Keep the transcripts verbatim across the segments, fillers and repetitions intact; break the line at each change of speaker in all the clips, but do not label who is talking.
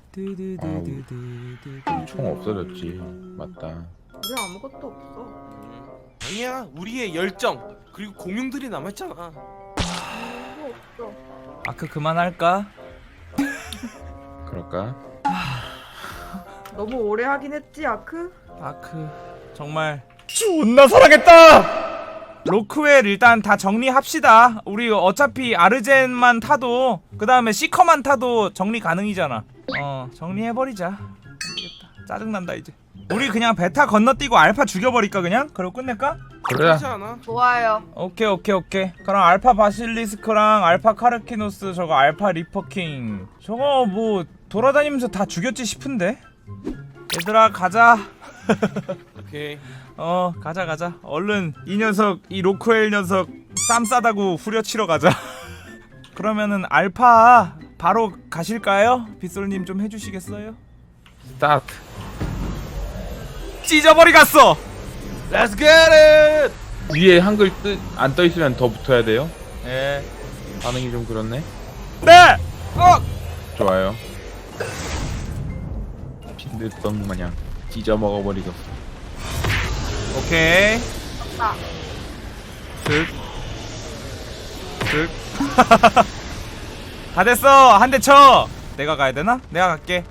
아, 총 없어졌지. 맞다.
우리 아무것도 없어.
아니야, 우리의 열정 그리고 공룡들이 남았잖아.
아무것도 없어.
아크 그만할까?
그럴까?
너무 오래 하긴 했지 아크?
아크 정말 존나 사랑했다! 로크웰 일단 다 정리합시다. 우리 어차피 아르젠만 타도 그 다음에 시커만 타도 정리 가능이잖아. 어 정리해버리자. 안되겠다, 짜증난다 이제. 우리 그냥 베타 건너뛰고 알파 죽여버릴까 그냥? 그리고 끝낼까?
그래.
그렇지 않아?
좋아요.
오케이 오케이 오케이. 그럼 알파 바실리스크랑 알파 카르키노스 저거 알파 리퍼킹 저거 뭐 돌아다니면서 다 죽였지 싶은데? 얘들아 가자.
오케이.
어 가자 가자. 얼른 이 녀석 이 로크웰 녀석 쌈 싸다고 후려치러 가자. 그러면은 알파 바로 가실까요? 빗솔님 좀 해주시겠어요?
스타트.
찢어버리 갔어.
Let's get it.
위에 한글 뜻 안 떠 있으면 더 붙어야 돼요.
예.
반응이 좀 그렇네.
네.
어.
좋아요. 빈대떡 마냥 찢어 먹어버리겠어.
오케이.
아,
득. 득. 다 됐어. 한 대 쳐. 내가 가야 되나? 내가 갈게.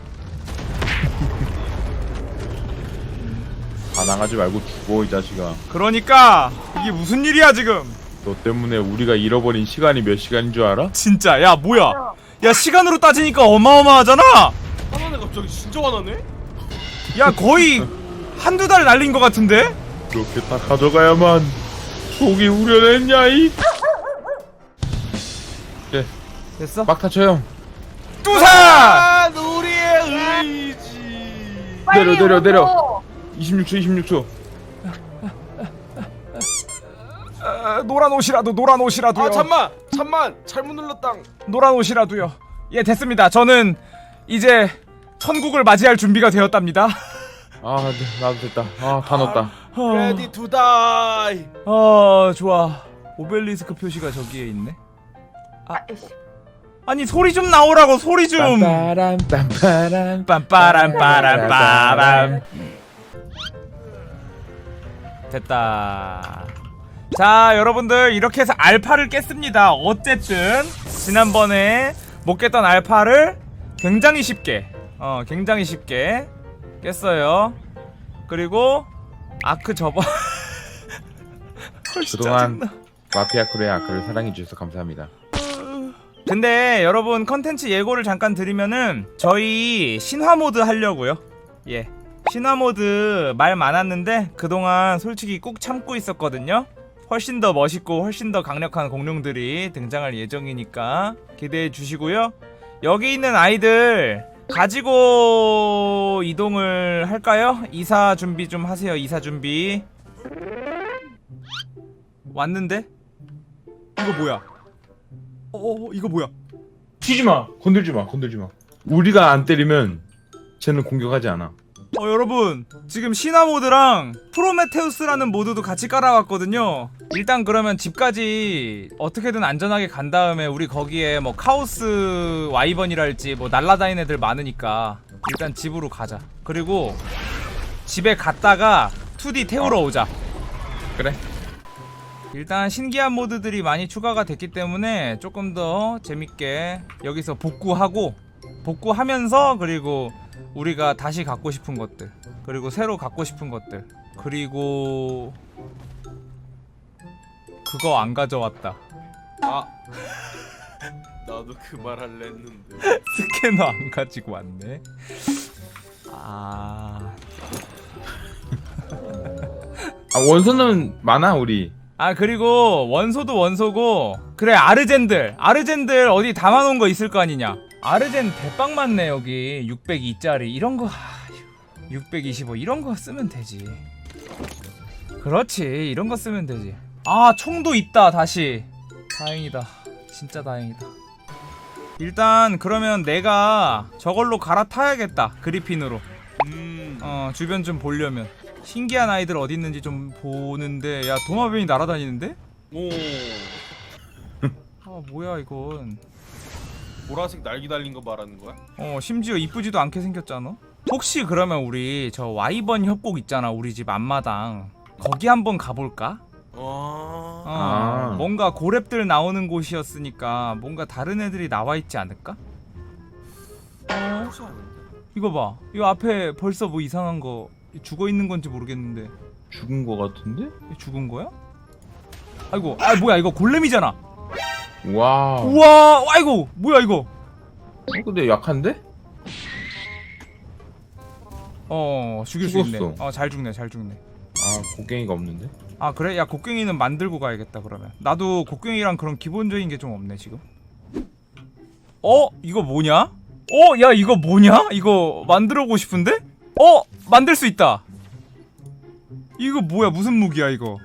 반항하지 말고 죽어 이 자식아.
그러니까 이게 무슨 일이야 지금?
너 때문에 우리가 잃어버린 시간이 몇 시간인 줄 알아?
진짜 야 뭐야? 야 시간으로 따지니까 어마어마하잖아.
화나네 갑자기. 진짜 화나네.
야 거의 한두 달 날린 것 같은데?
그렇게 다 가져가야만 속이 우려냈냐 이. 네,
됐어?
막타 쳐요.
뚜사!
아, 우리의 의지.
내려 내려 내려.
오고.
이십육 초 이십육 초.
어, 노란 옷이라도 노란 옷이라도요.
아 잠만, 잠만. 잘못 눌렀당.
노란 옷이라도요. 예 됐습니다. 저는 이제 천국을 맞이할 준비가 되었답니다.
아, 네, 나도 됐다. 아, 다 넣었다.
어,
Ready to die.
어 좋아. 오벨리스크 표시가 저기에 있네.
아이씨.
아니 소리 좀 나오라고 소리 좀.
빰빠람 빰빠람
빰빠람 빠람 빠람. 됐다. 자 여러분들 이렇게 해서 알파를 깼습니다. 어쨌든 지난번에 못 깼던 알파를 굉장히 쉽게 어 굉장히 쉽게 깼어요. 그리고 아크 접어.
그동안 마피아 크루의 아크를 사랑해주셔서 감사합니다.
근데 여러분 컨텐츠 예고를 잠깐 드리면은 저희 신화 모드 하려고요. 예, 신화 모드 말 많았는데 그동안 솔직히 꾹 참고 있었거든요. 훨씬 더 멋있고 훨씬 더 강력한 공룡들이 등장할 예정이니까 기대해 주시고요. 여기 있는 아이들 가지고 이동을 할까요? 이사 준비 좀 하세요. 이사 준비. 왔는데? 이거 뭐야? 어, 이거 뭐야?
튀지마! 건들지마 건들지마. 우리가 안 때리면 쟤는 공격하지 않아.
어 여러분 지금 신화 모드랑 프로메테우스라는 모드도 같이 깔아왔거든요. 일단 그러면 집까지 어떻게든 안전하게 간 다음에 우리 거기에 뭐 카오스 와이번이랄지 뭐 날라다니는 애들 많으니까 일단 집으로 가자. 그리고 집에 갔다가 투디 태우러 오자.
그래.
일단 신기한 모드들이 많이 추가가 됐기 때문에 조금 더 재밌게 여기서 복구하고 복구하면서 그리고 우리가 다시 갖고 싶은 것들 그리고 새로 갖고 싶은 것들 그리고 그거 안 가져왔다.
아. 나도 그 말 할래 했는데.
스캐너 안 가지고 왔네. 아...
아, 원서는 많아 우리.
아 그리고 원소도 원소고 그래 아르젠들 아르젠들 어디 담아놓은 거 있을 거 아니냐. 아르젠 대빵 많네 여기. 육백이짜리 이런거 육백이십오 이런거 쓰면 되지. 그렇지 이런거 쓰면 되지. 아 총도 있다 다시. 다행이다 진짜 다행이다. 일단 그러면 내가 저걸로 갈아타야겠다. 그리핀으로.
음.
어 주변 좀 보려면 신기한 아이들 어디 있는지 좀 보는데. 야 도마뱀이 날아다니는데?
오.
아 뭐야 이건.
보라색 날개 달린 거 말하는 거야?
어 심지어 이쁘지도 않게 생겼잖아. 혹시 그러면 우리 저 와이번 협곡 있잖아, 우리 집 앞마당. 거기 한번 가볼까?
어...
어,
아.
뭔가 고랩들 나오는 곳이었으니까 뭔가 다른 애들이 나와 있지 않을까? 어?
혹시 아는데?
이거 봐. 이 앞에 벌써 뭐 이상한 거 죽어 있는 건지 모르겠는데
죽은 거 같은데?
이게 죽은 거야? 아이고, 아 뭐야 이거 골렘이잖아.
와.
우와, 아이고 뭐야 이거?
어, 근데 약한데?
어 죽일 수 있네.
죽었어.
어 잘 죽네, 잘 죽네.
아 곡괭이가 없는데?
아 그래? 야 곡괭이는 만들고 가야겠다 그러면. 나도 곡괭이랑 그런 기본적인 게 좀 없네 지금. 어? 이거 뭐냐? 어? 야 이거 뭐냐? 이거 만들어보고 싶은데? 어? 만들 수 있다. 이거 뭐야, 무슨 무기야 이거?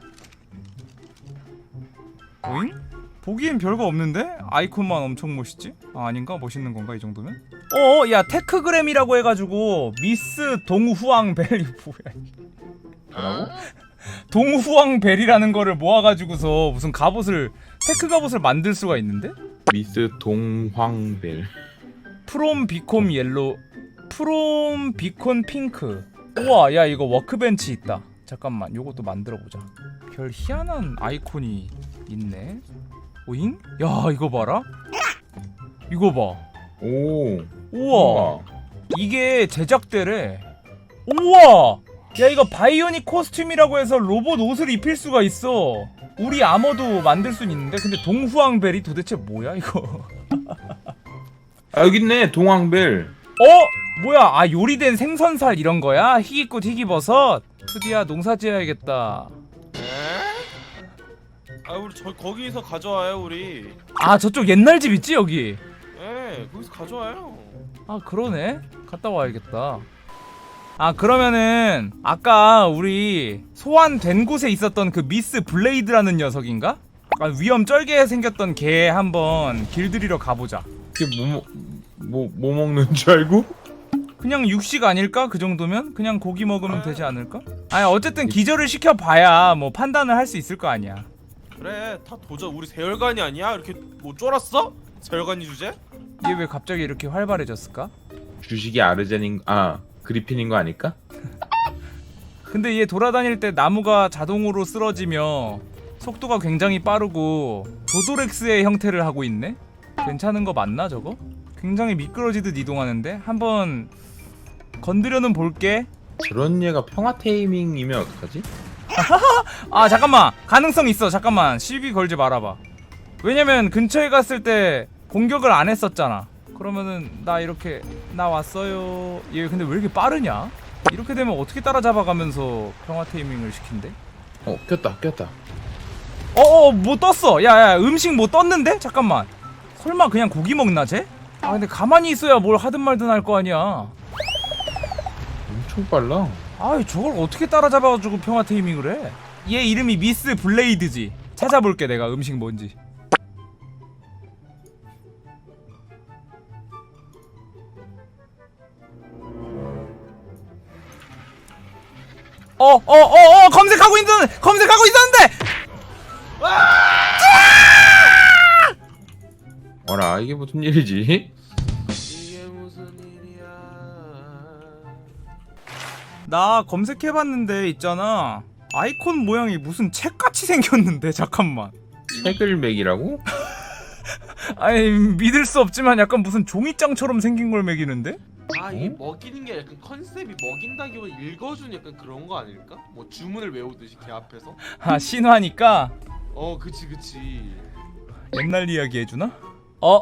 오잉? 보기엔 별거 없는데? 아이콘만 엄청 멋있지? 아 아닌가? 멋있는 건가 이 정도면? 어어 야 테크그램이라고 해가지고 미스 동후왕벨. 이거 뭐야 이게?
뭐라고?
동후왕벨이라는 거를 모아가지고서 무슨 갑옷을, 테크 갑옷을 만들 수가 있는데?
미스 동황벨.
프롬 비콤 옐로, 프롬 비콘 핑크. 우와 야 이거 워크벤치 있다. 잠깐만 요것도 만들어보자. 별 희한한 아이콘이 있네. 오잉? 야 이거 봐라. 이거 봐.
오.
우와 이게 제작대래. 우와 야 이거 바이오닉 코스튬이라고 해서 로봇 옷을 입힐 수가 있어. 우리 아머도 만들 순 있는데. 근데 동후왕벨이 도대체 뭐야 이거?
아 여기 있네 동황벨.
어? 뭐야? 아 요리된 생선살 이런 거야? 희귀꽃 희귀버섯? 투디야 농사 지어야겠다.
에? 아 우리 저 거기서 가져와요 우리.
아 저쪽 옛날 집 있지 여기?
예, 거기서 가져와요.
아 그러네. 갔다 와야겠다. 아 그러면은 아까 우리 소환된 곳에 있었던 그 미스 블레이드라는 녀석인가? 아, 위험 쩔게 생겼던 걔 한번 길들이러 가보자.
이게 뭐 뭐 뭐 먹는 줄 알고?
그냥 육식 아닐까? 그 정도면? 그냥 고기 먹으면 되지 않을까? 아니 어쨌든 기절을 시켜봐야 뭐 판단을 할 수 있을 거 아니야.
그래, 다 도저 우리 세혈관이 아니야? 이렇게 뭐 쫄았어? 세혈관이 주제?
얘 왜 갑자기 이렇게 활발해졌을까?
주식이 아르젠인 아 그리핀인 거 아닐까?
근데 얘 돌아다닐 때 나무가 자동으로 쓰러지며 속도가 굉장히 빠르고 조도렉스의 형태를 하고 있네? 괜찮은 거 맞나 저거? 굉장히 미끄러지듯 이동하는데? 한번 건드려는 볼게.
저런 얘가 평화 테이밍이면 어떡하지?
아 잠깐만, 가능성 있어. 잠깐만 시비 걸지 말아봐. 왜냐면 근처에 갔을 때 공격을 안 했었잖아. 그러면은 나 이렇게 나 왔어요. 얘 근데 왜 이렇게 빠르냐? 이렇게 되면 어떻게 따라잡아가면서 평화 테이밍을 시킨대?
어 꼈다 꼈다.
어어 뭐 떴어. 야야 음식 뭐 떴는데? 잠깐만, 설마 그냥 고기 먹나 쟤? 아 근데 가만히 있어야 뭘 하든 말든 할 거 아니야.
엄청 빨라.
아이 저걸 어떻게 따라잡아가지고 평화 테이밍을 해? 얘 이름이 미스 블레이드지. 찾아볼게 내가 음식 뭔지. 어 어 어 어 검색하고 있는 검색하고 있었는데.
어라 이게 무슨 일이지?
이게 무슨 일이야?
나 검색해봤는데 있잖아, 아이콘 모양이 무슨 책같이 생겼는데. 잠깐만.
책을 매기라고?
아니 믿을 수 없지만 약간 무슨 종이장처럼 생긴 걸 먹이는데?
아, 이
어?
먹이는 게 약간 컨셉이 먹인다기보다 읽어주는 약간 그런 거 아닐까? 뭐 주문을 외우듯이 걔 앞에서?
아 신화니까
어, 그치 그치.
옛날 이야기 해주나? 어?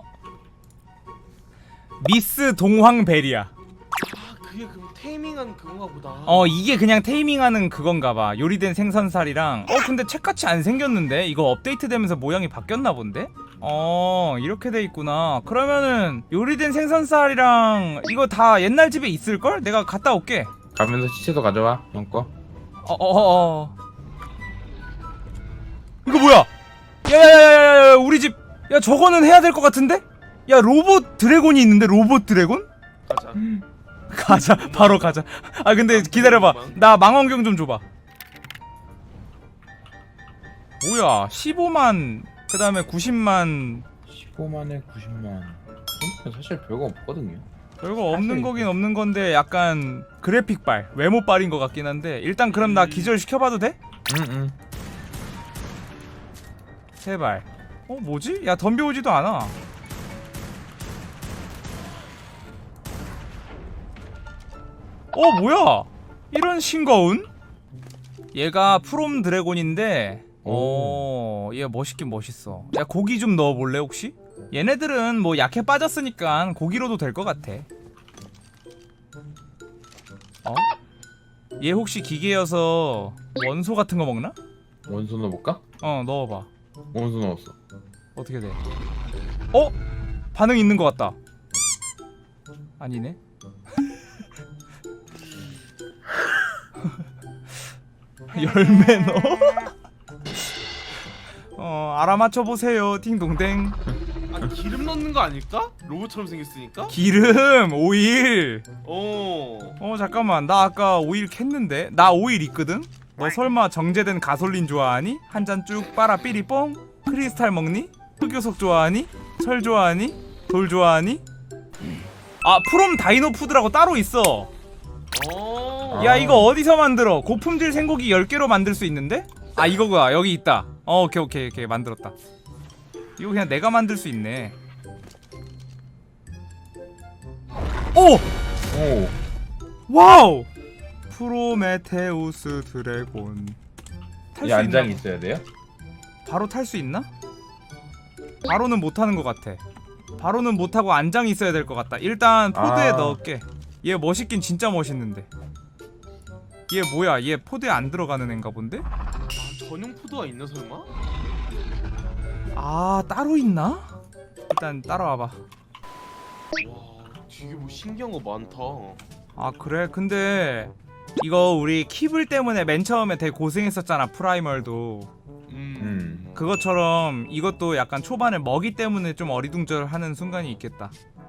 미스 동황벨이야.
아, 그게 그럼 테이밍한 그건가 보다.
어 이게 그냥 테이밍하는 그건가봐. 요리된 생선살이랑. 어 근데 책같이 안 생겼는데? 이거 업데이트되면서 모양이 바뀌었나 본데? 어 이렇게 돼 있구나. 그러면은 요리된 생선살이랑 이거 다 옛날 집에 있을걸? 내가 갔다 올게.
가면서 시체도 가져와 형 거.
어어어 어. 이거 뭐야? 야야야야야 우리 집. 야 저거는 해야 될 것 같은데? 야 로봇 드래곤이 있는데. 로봇 드래곤?
가자.
가자 바로 가자. 아 근데 기다려봐, 나 망원경 좀 줘봐. 뭐야 십오만 그 다음에 구십만.
십오만에 구십만. 사실 별거 없거든요.
별거 없는
사실
거긴 없는 건데 약간 그래픽발, 외모발인 것 같긴 한데 일단 그럼 나
음.
기절 시켜봐도 돼?
응응.
제발. 어 뭐지? 야 덤벼오지도 않아. 어 뭐야? 이런 싱거운? 얘가 프롬 드래곤인데 어, 얘 멋있긴 멋있어. 야 고기 좀 넣어볼래 혹시? 얘네들은 뭐 약해 빠졌으니까 고기로도 될 것 같아. 어? 얘 혹시 기계여서 원소 같은 거 먹나?
원소 넣어볼까?
어 넣어봐.
원소 넣었어.
어떻게 돼? 어? 반응 있는 것 같다. 아니네. 열매 넣어? 어 알아맞혀 보세요. 띵동댕.
아 기름 넣는 거 아닐까? 로봇처럼 생겼으니까?
기름 오일.
어.
어 잠깐만 나 아까 오일 캤는데 나 오일 있거든? 너 설마 정제된 가솔린 좋아하니? 한 잔 쭉 빨아 삐리뽕? 크리스탈 먹니? 흑요석 좋아하니? 철 좋아하니? 돌 좋아하니? 아 프롬 다이노 푸드라고 따로 있어.
어.
야 이거 어디서 만들어? 고품질 생고기 열 개로 만들 수 있는데? 아 이거구나 여기 있다. 어 오케이 오케이 오케이 만들었다. 이거 그냥 내가 만들 수 있네. 오!
오.
와우! 프로메테우스 드래곤 탈
이
수
안장이
있나?
있어야 돼요?
바로 탈 수 있나? 바로는 못하는 것 같아. 바로는 못하고 안장이 있어야 될 것 같다. 일단 포드에
아.
넣을게. 얘 멋있긴 진짜 멋있는데. 얘 뭐야? 얘 포드에 안 들어가는 앤가 본데?
아, 전용 푸드가 있나 설마?
아 따로 있나? 일단 따라와봐.
와 되게 뭐 신기한 거 많다.
아 그래? 근데 이거 우리 키블 때문에 맨 처음에 되게 고생했었잖아 프라이멀도.
음.
음.
그것처럼 이것도 약간 초반에 먹이 때문에 좀 어리둥절하는 순간이 있겠다.